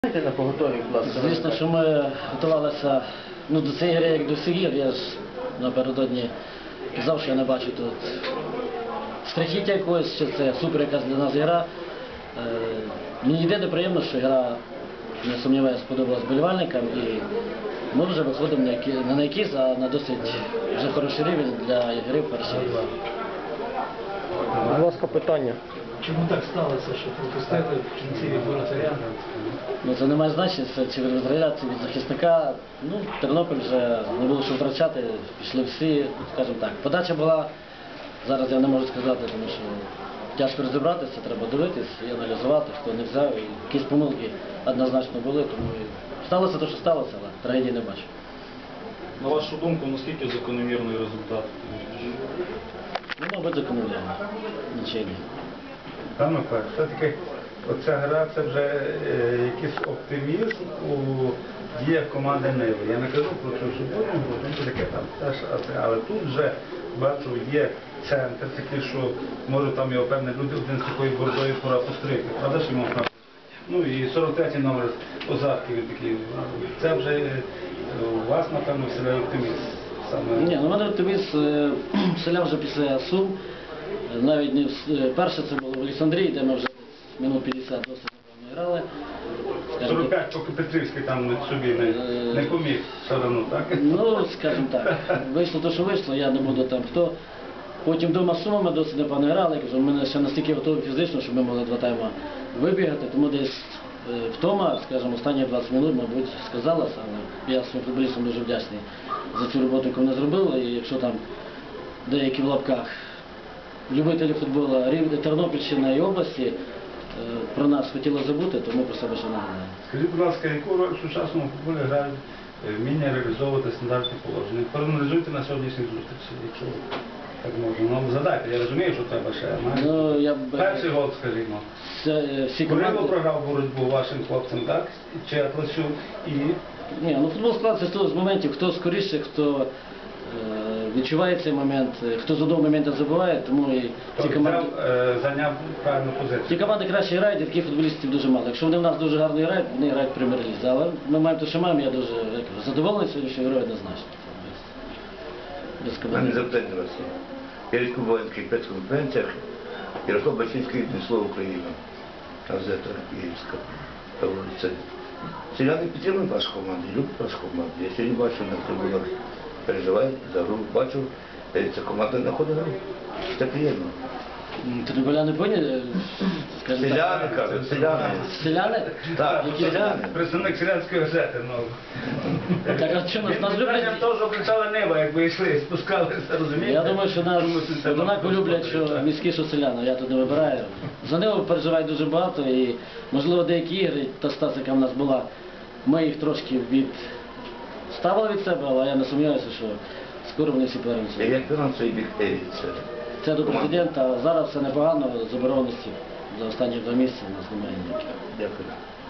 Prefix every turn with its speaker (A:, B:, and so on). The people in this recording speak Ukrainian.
A: На поготові, будь ласка.
B: Звісно, що ми готувалися до цієї гри, як до всіх гір. Я ж напередодні казав, що я не бачу тут страхіття якогось, що це супер якась для нас гра. Мені єдине приємно, що гра, не сумніваюся, сподобалась вболівальникам, і ми вже виходимо не на якийсь, а на досить вже хороший рівень для гри в першій.
A: Будь ласка, питання.
C: Чому так сталося, що пропустили в кінці від воротаря?
B: Це не має значення, чи від воротаря, чи від захисника. Тернопіль вже не було що втрачати, пішли всі, скажімо так. Подача була, зараз я не можу сказати, тому що тяжко розібратися, треба дивитись і аналізувати, хто не взяв. І якісь помилки однозначно були, тому сталося те, що сталося, але трагедії не бачу.
D: На вашу думку, наскільки закономірний результат?
B: Мабуть, закономірно. Нічого.
E: Пане Миколай, все-таки оця гра – це вже якийсь оптимізм у діях команди Ниви. Я не кажу про цю суботу, бо таке там теж, але тут вже, бачу, є центр такий, що може там його певні люди один з такою бордою пора постригти. Правда, що йому правда? І 43-й номер Озарки він такий. Це вже у вас, напевно, вселяє оптимізм.
B: Ні, у мене оптимізм вселяв вже після Сум. Навіть не перше це було в Олександрії, де ми вже минут 50 досить непевно грали.
E: 45, поки Петрівський там собі не поміг все одно, так?
B: Скажімо так, вийшло те, що вийшло, я не буду там хто. Потім вдома з Сумами досить непевно грали, ми ще настільки готові фізично, щоб ми могли 2 тайми вибігати, тому десь втома, скажімо, останні 20 минут, мабуть, сказалося, але я своїм футболістам дуже вдячний за цю роботу, яку вони зробили, і якщо там деякі в лапках любителі футболу Тернопільщини і області про нас хотіли забути, тому про себе ще нагадаємо.
E: Скажіть, будь ласка, яку роль в сучасному футболі грають вміння реалізовувати стандартні положення? Проаналізуйте на сьогоднішній зустрічі, якщо так можна. Задайте, я розумію, що треба ще. Перший гол, скажімо. Курило програв боротьбу вашим хлопцям, так? Чи Атласюк і...
B: Ні, футбол складається з моментів, хто скоріше, хто відчуває цей момент, хто з одного моменту забуває, тому і ці команди...
E: Зайняв правильну позицію.
B: Ті команди краще грають, і таких футболістів дуже мало. Якщо вони в нас дуже гарно грають, вони грають в прем'єр-лізі. Але ми маємо те, що маємо, я дуже задоволений сьогоднішньою грою однозначно.
F: У мене запитання до вас є. Перед кубанських прес-конференціях Ярослав Бачинський віднесло Україну. Газета Київська. Селяни підтримують вашу команду, люблять вашу команду. Я сьогодні бачу, на трибунах переживають за гру. Бачу, ця команда знаходить гру. Це приємно.
B: Тернополяни не поняли?
F: Селяни, кажуть, селяни.
B: Селяни?
F: Так, селяни.
E: Представник селянської газети,
B: Так, а що нас люблять?
E: того, що кричала Нива, як ви йшли, спускалися, розумієте?
B: Я думаю, що нас однаково люблять, що міські, що селяни. Я тут не вибираю. За Ниву переживають дуже багато і, можливо, деякі ігри, та стація, яка в нас була, ми їх трошки відставили від себе, але я не сумніваюся, що скоро вони всі повернуться.
F: Як фінансовий бік це?
B: Це до президента. Зараз все непогано, забороненості за останні 2 місяці у нас немає ніяких.
F: Дякую.